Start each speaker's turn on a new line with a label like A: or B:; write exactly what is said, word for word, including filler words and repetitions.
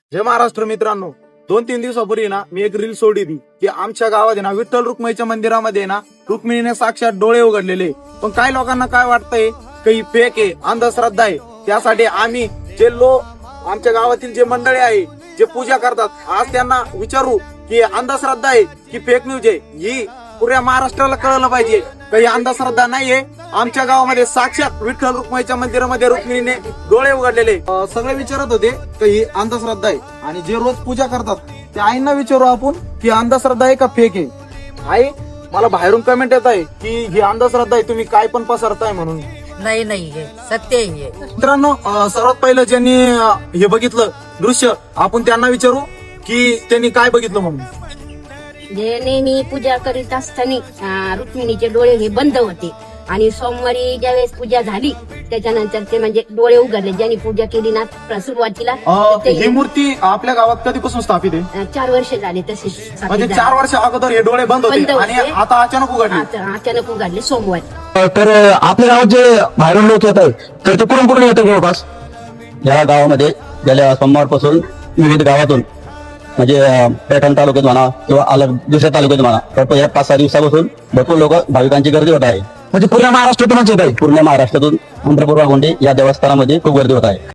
A: जय महाराष्ट्र मित्रांनो, दोन तीन दिवसापूर्वी ना मी एक रील सोडली होती की आमच्या गावात आहे ना विठ्ठल रुक्मिणीच्या मंदिरामध्ये ना रुक्मिणीने साक्षात डोळे उघडलेले. पण काही लोकांना काय वाटतंय काही फेक आहे, अंधश्रद्धा आहे. त्यासाठी आम्ही जे लोक आमच्या गावातील जे मंडळी आहे जे पूजा करतात, आज त्यांना विचारू की अंधश्रद्धा आहे की फेक न्यूज आहे. ही पुऱ्या महाराष्ट्राला कळलं पाहिजे. काही अंधश्रद्धा नाहीये. आमच्या गावामध्ये साक्षात विठ्ठल रुक्मिणीच्या मंदिरामध्ये रुक्मिणीने डोळे उघडलेले. अं, सगळे विचारत होते की ही अंधश्रद्धा आहे. आणि जे रोज पूजा करतात त्या आईंना विचारू आपण की अंधश्रद्धा आहे का फेक आहे. आई, मला बाहेरून कमेंट येत आहे की ही अंधश्रद्धा आहे, तुम्ही काय पण पसरताय म्हणून.
B: नाही नाही हे सत्य आहे.
A: मित्रांनो, अं, सर्वात पहिलं ज्यांनी अं, हे बघितलं दृश्य, आपण त्यांना विचारू की त्यांनी काय बघितलं म्हणून.
C: जे नेहमी पूजा करीत असताना अं, रुक्मिणीचे डोळे हे बंद होते आणि सोमवारी ज्यावेळेस पूजा झाली त्याच्यानंतर ते म्हणजे डोळे उघडले. ज्यांनी पूजा केली ना सुरुवातीला
A: अं,
C: ते
A: ही मूर्ती आपल्या गावात कधीपासून स्थापित आहे?
C: अं, चार वर्ष झाले तसे
A: म्हणजे चार वर्ष अगोदर हे डोळे बंद
C: बंद
A: होते
C: होते.
A: आणि आता अचानक उघडले.
C: अचानक उघडले सोमवारी.
D: तर आपल्या गावात जे बाहेरून लोक येत आहेत तर ते कुठून कुठून येतात जवळपास? या गावामध्ये गेल्या सोमवारपासून विविध गावातून म्हणजे अं, पैठण तालुक्यात म्हणा किंवा अलग दुसऱ्या तालुक्यात म्हणा तर या पाच सहा दिवसापासून भरपूर लोक भाविकांची गर्दी होत आहे. म्हणजे पूर्ण महाराष्ट्रातूनच येत आहे. पूर्ण महाराष्ट्रातून पंढरपूर वाघोंडे या देवस्थानामध्ये खूप गर्दी होत आहे.